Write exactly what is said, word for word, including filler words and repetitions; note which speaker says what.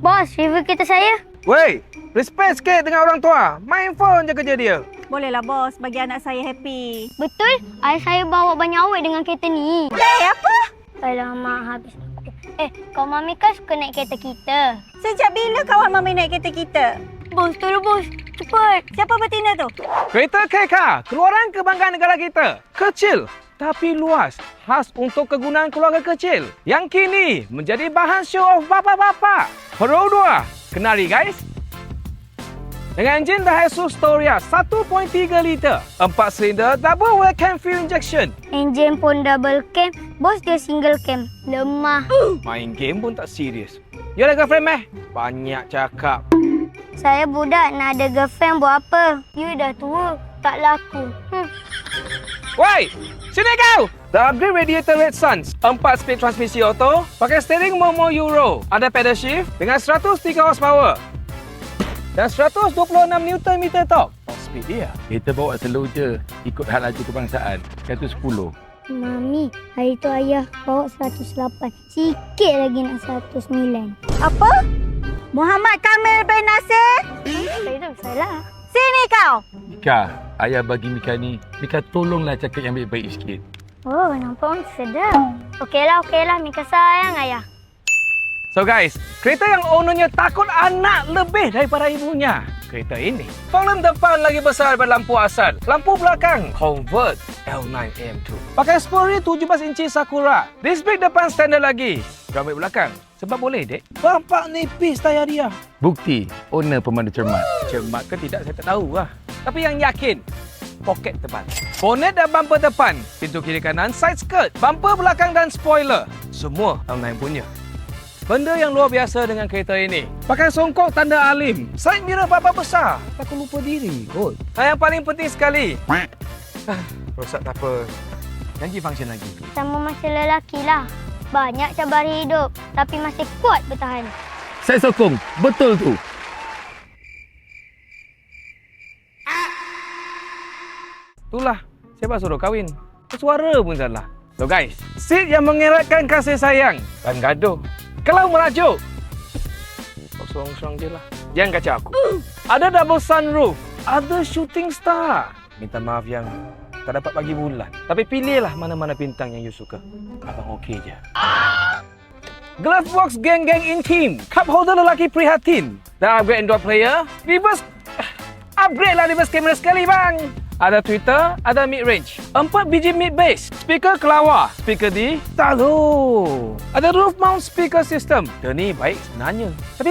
Speaker 1: Bos, review kereta saya.
Speaker 2: Wey, respect sikit dengan orang tua. Main phone je kerja dia.
Speaker 3: Bolehlah bos, bagi anak saya happy.
Speaker 1: Betul, ayah saya bawa banyak awet dengan kereta ni.
Speaker 3: Eh, apa?
Speaker 1: Alamak, habis. Eh, kau Mami kan suka naik kereta kita.
Speaker 3: Sejak bila kawan Mami naik kereta kita?
Speaker 1: Bos, tolong bos. Cepat.
Speaker 3: Siapa betina tu?
Speaker 2: Kereta K K, keluaran kebanggaan negara kita. Kecil tapi luas, khas untuk kegunaan keluarga kecil. Yang kini menjadi bahan show off bapa-bapa. Pro dua, kenali guys. Dengan enjin Daihatsu Storia satu perpuluhan tiga liter, empat silinder double well cam fuel injection.
Speaker 1: Enjin pun double cam, bos dia single cam. Lemah.
Speaker 2: Main game pun tak serius. Yalah girlfriend meh, banyak cakap.
Speaker 1: Saya budak nak ada girlfriend buat apa? You dah tua, tak laku. Hmm.
Speaker 2: Woi, sini kau! The upgrade radiator Red Suns, empat speed transmisi auto, pakai steering Momo Euro, ada pedal shift dengan seratus tiga horsepower dan seratus dua puluh enam newton meter torque. Top speed dia.
Speaker 4: Kita bawa slow je, ikut hal laju kebangsaan, seratus sepuluh.
Speaker 1: Mami, hari tu ayah bawa seratus lapan. Sikit lagi nak seratus sembilan.
Speaker 3: Apa? Muhammad Kamil bin Nasir?
Speaker 1: Saya tu salah.
Speaker 3: Sini kau!
Speaker 4: Mika, ayah bagi Mika ni, Mika tolonglah cakap yang baik-baik sikit.
Speaker 1: Oh, nampak pun sedap. Okeylah, okeylah. Mika sayang ayah.
Speaker 2: So guys, kereta yang ownernya takut anak lebih daripada ibunya. Kereta ini, fog depan lagi besar daripada lampu asal. Lampu belakang convert L nine A M two. Pakai spoiler tujuh belas inci Sakura. Disc brake depan standard lagi. Drum brake belakang. Sebab boleh, dek. Bampak nipis tayar dia.
Speaker 4: Bukti, owner pemandu cermat.
Speaker 2: Cermat ke tidak, saya tak tahu lah. Tapi yang yakin, poket depan. Bonet dan bumper depan. Pintu kiri kanan, side skirt. Bumper belakang dan spoiler. Semua L nine punya. Benda yang luar biasa dengan kereta ini. Pakai songkok tanda alim. Side mirror bapa besar. Takut lupa diri kot. Dan yang paling penting sekali. Ah, rosak tak apa. Janji function lagi.
Speaker 1: Sama macam lelaki lah. Banyak cabaran hidup. Tapi masih kuat bertahan.
Speaker 4: Saya sokong, betul tu.
Speaker 2: Itulah. Siapa suruh kahwin? Suara pun salah. So guys, seat yang mengeratkan kasih sayang dan gaduh. Kalau merajuk, kosong-kosong je lah. Jangan kacau aku. Ada double sunroof. Ada shooting star. Minta maaf yang tak dapat bagi bulan. Tapi pilihlah mana-mana bintang yang you suka. Abang okey je. Glove box geng-geng intim. Cup holder lelaki prihatin. Dan upgrade Android player. Reverse. Upgrade lah reverse camera sekali bang. Ada Twitter, ada mid-range. Empat biji mid-bass. Speaker kelawar. Speaker di Talo. Ada roof mount speaker system. Dia ni baik sebenarnya. Tapi